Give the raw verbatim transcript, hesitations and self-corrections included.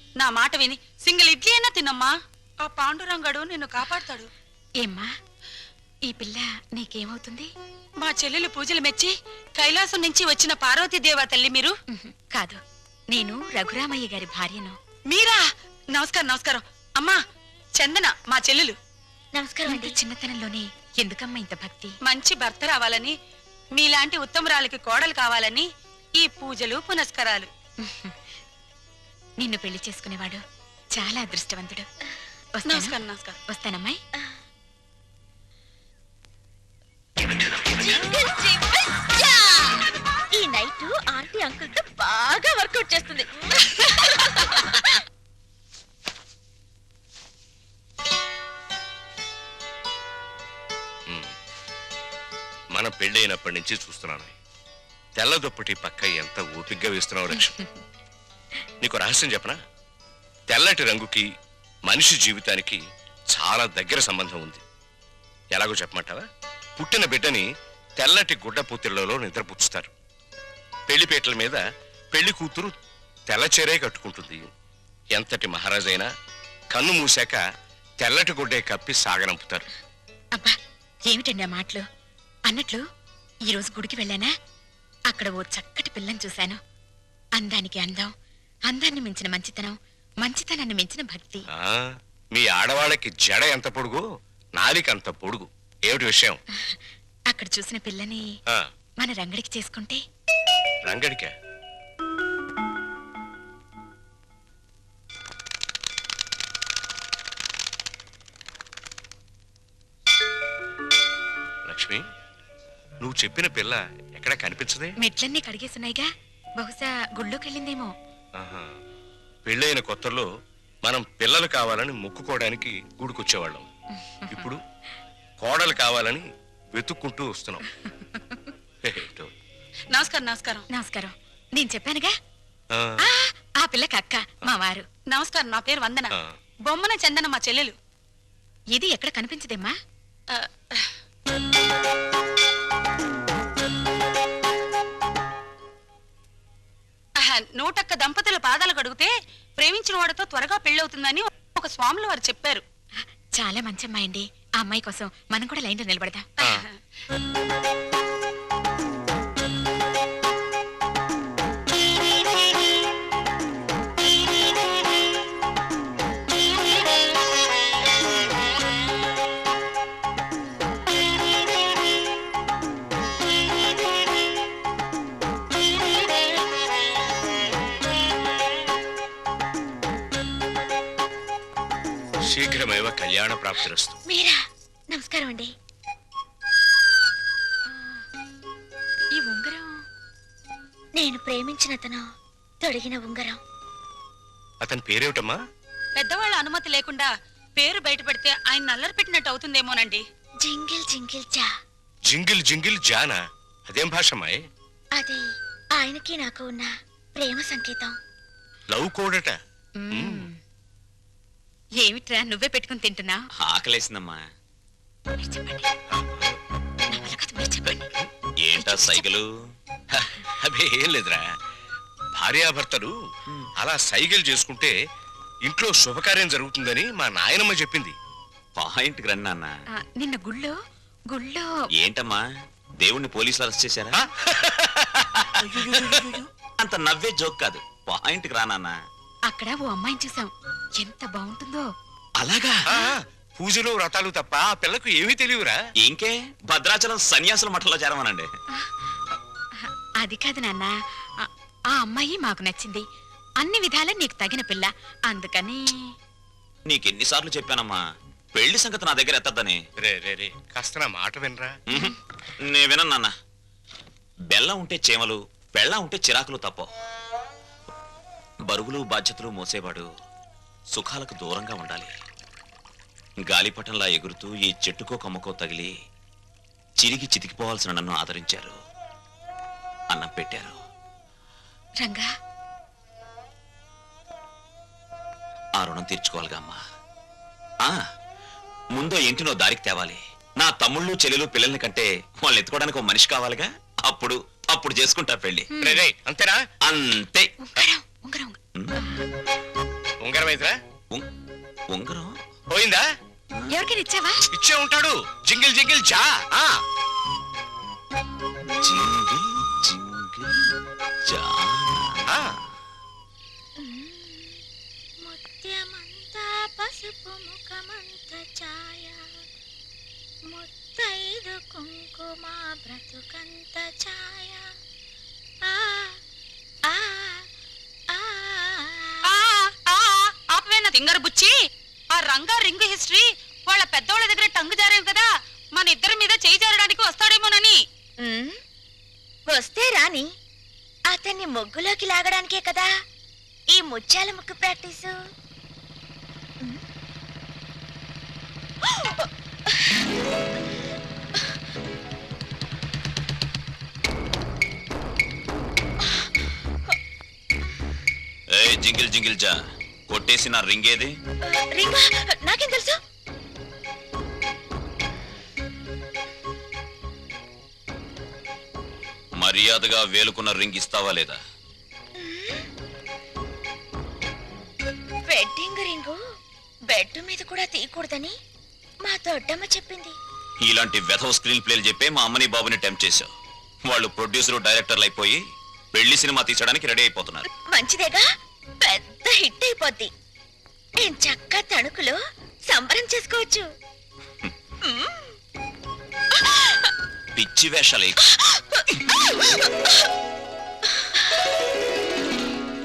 నా మాట విని సింగిల్ ఇడ్లీ అయినా తినమ్మా. ఆ పాండురంగడు నిన్ను కాపాడతాడు. ఏమ్మా ఈ పిల్ల నీకేమవుతుంది? మా చెల్లెలు పూజలు మెచ్చి కైలాసం నుంచి వచ్చిన పార్వతీదేవా తల్లి మీరు? కాదు, నేను రఘురామయ్య గారి భార్యను. మీరా? నమస్కారం నమస్కారం. అమ్మా చందన మా చెల్లెలు. నమస్కారం అండి. చిన్నతనంలోనే ఎందుకమ్మా ఇంత భక్తి? మంచి భర్త రావాలని, మీలాంటి ఉత్తమరాలకి కోడలు కావాలని ఈ పూజలు పునస్కారాలు. నిన్ను పెళ్లి చేసుకునేవాడు చాలా అదృష్టవంతుడు. నమస్కారం నమస్కారం. వస్తానమ్మాయి. ఈ నైట్ ఆంటీ అంకుల్ తో బాగా వర్కౌట్ చేస్తుంది. మన పెళ్లి అయినప్పటి నుంచి చూస్తున్నాను, తెల్ల దుప్పటి పక్క ఎంత ఓపిగ్గా వేస్తున్నావు లక్ష్మి. నీకు రహస్యం చెప్పనా? తెల్లటి రంగుకి మనిషి జీవితానికి చాలా దగ్గర సంబంధం ఉంది. ఎలాగో చెప్పమంటావా? పుట్టిన బిడ్డని తెల్లటి గుడ్డ పూతిళ్లలో నిద్రపుచ్చుతారు. పెళ్లిపేటల మీద పెళ్లి కూతురు తెల్ల చీరే కట్టుకుంటుంది. ఎంతటి మహారాజైనా కన్ను మూసాక తెల్లటి గుడ్డే కప్పి సాగనంపుతారు. అబ్బా ఏమిటండి ఆ మాటలు? అన్నట్లు ఈరోజు గుడికి వెళ్ళానా, అక్కడ ఓ చక్కటి పిల్లని చూశాను. అందానికి అందం, అందాన్ని మించిన మంచితనం, మంచితనాన్ని మించిన భక్తి. మీ ఆడవాళ్ళకి జడ ఎంత పొడుగు, నాలిక అంత పొడుగు. ఏమిటి విషయం? అక్కడ చూసిన పిల్లని మన రంగడికి చేసుకుంటే. రంగడికా? లక్ష్మి, నువ్వు చెప్పిన పిల్ల ఎక్కడ కనిపించదే? మెట్లన్నీ కడిగేస్తున్నాయిగా, బహుశా గుళ్ళోకి వెళ్ళిందేమో. పెళ్ళైన కొత్తలో మనం పిల్లలు కావాలని మొక్కుకోవడానికి గుడికొచ్చేవాళ్ళం. ఇప్పుడు కోడలు కావాలని వెతుక్కుంటూ వస్తున్నాం. నమస్కారం నమస్కారం. నమస్కారం. నేను చెప్పానుగా ఆ పిల్లకి అక్క మా వారు. నమస్కారం. నా పేరు వందన. బొమ్మన చందన మా చెల్లెలు. ఇది ఎక్కడ కనిపించదేమ్మా? నూటొక్క దంపతుల పాదాలు కడిగితే ప్రేమించిన వాడితో త్వరగా పెళ్ళవుతుందని ఒక స్వాములు వారు చెప్పారు. చాలా మంచి అమ్మాయి అండి. ఆ అమ్మాయి కోసం మనం కూడా లైన్లో నిలబడదాం. శీఘ్రమేవ కళ్యాణ ప్రాప్తిరస్తు. మీరా? నమస్కారం అండి. ఈ ఉంగరం నేను ప్రేమించిన అతను తొడిగిన ఉంగరం. అతని పేరేమిటమ్మా? పెద్దవాళ్ళ అనుమతి లేకుండా పేరు బయట పెడితే ఆయన నల్లరి పెట్టినట్టు అవుతుందేమోనండి. జింగిల్ జింగిల్ జా. జింగిల్ జింగిల్ జానా? అదేం భాషమాయ్? అది ఆయనకి నాకు ఉన్న ప్రేమ సంకేతం. లవ్ కోడట. ఏమిట్రా నువ్వే పెట్టుకుని తింటున్నా? ఆకలేసిందమ్మా. చెప్పండి. ఏంటా సైకిలు? అదే ఏం లేదురా, భార్యాభర్తలు అలా సైకిల్ చేసుకుంటే ఇంట్లో శుభకార్యం జరుగుతుందని మా నాయనమ్మ చెప్పింది. పాయింట్ రండి అన్న. నిన్న గుళ్ళో గుళ్ళో ఏంటమ్మా దేవుణ్ణి పోలీసులు అరెస్ట్ చేశారా? అంత నవ్వే జోక్ కాదు, పాయింట్ రానన్నా. అక్కడ ఓ అమ్మాయిని చూసాం, ఎంత బాగుంటుందో. అలాగా? పూజలు వ్రతాలు తప్ప ఆ పిల్లకు ఏమీ తెలియరా? ఇంకే భద్రాచలం సన్యాసుల మఠంలో చేరమనండి. అది కాదు నాన్న, ఆ అమ్మాయి మాకు నచ్చింది. అన్ని విధాలా నీకు తగిన పిల్ల, అందుకని. నీకెన్నిసార్లు చెప్పానమ్మా పెళ్లి సంగతి నా దగ్గర ఎత్తద్దని. రే రే రే కాస్త నా మాట వినరా. నే వినను నాన్న. బెల్లం ఉంటే చేమలు, బెల్లం ఉంటే చిరాకులు తప్ప. బరువులు బాధ్యతలు మోసేవాడు సుఖాలకు దూరంగా ఉండాలి. గాలిపటంలా ఎగురుతూ ఈ చెట్టుకో కొమ్మకో తగిలి చిరిగి చితికిపోవాల్సిన నన్ను ఆదరించారు, అన్నం పెట్టారు. రంగా, ఆ రుణం తీర్చుకోవాలిగా అమ్మా. ఆ ముందో ఇంటినో దారికి తేవాలి. నా తమ్ముళ్ళు చెల్లెలు పిల్లల్ని కంటే వాళ్ళు ఎత్తుకోవడానికి ఒక మనిషి కావాలిగా. అప్పుడు అప్పుడు చేసుకుంటా పెళ్లి. అంతేనా? అంతే. ఉంగరం ఉంగరం ఉంగరం అయితేరా ఉం- ఉంగరం పోయిందా? ఎవరికైనా ఇచ్చావా? ఇచ్చే ఉంటాడు. జింగిల్ జింగిల్ జా. ఆ జింగిల్ జింగిల్ జానా. ఆ. ముత్యమంతా పసుపు ముఖమంత ఛాయ ముత్తైదు కుంకుమ బ్రతుకంత ఛాయ ఆ ఆ ఆ ఆ, ఆ, ఆపవేనా తింగరు బుచ్చి? ఆ రంగా రింగు హిస్టరీ వాళ్ళ పెద్దోళ్ళ దగ్గర టంగు జారాం కదా, మన ఇద్దరి మీద చేయి జారడానికి వస్తాడేమోనని. ఉమ్, వస్తే రాని అతన్ని ముగ్గులోకి లాగడానికే కదా ఈ ముత్యాల ముగ్గు ప్రాక్టీసు. ఉమ్. ఏ జింగిల్ జింగిల్ జా, కొట్టేసి నా రింగ్ ఏది? రింగా నాకేం తెలుసు? మర్యాదగా వేలుకున్న రింగ్ ఇస్తావా లేదా? వెడ్డింగ్ రింగు బెడ్ మీద కూడా తీయకూడదని మా దొడ్డమ్మ చెప్పింది. ఇలాంటి వెధవ స్క్రీన్ ప్లేలు చెప్పే మా అమ్మని బాబుని టెంప్ట్ చేశావు. వాళ్ళు ప్రొడ్యూసర్ డైరెక్టర్లు అయిపోయి పెళ్లి సినిమా తీసడానికి రెడీ అయిపోతున్నారు. మంచిదేగా, పెద్ద హిట్ అయిపోద్ది. నేను చక్క తణుకులో సంబరం చేసుకోవచ్చు. పిచ్చి వేషాలు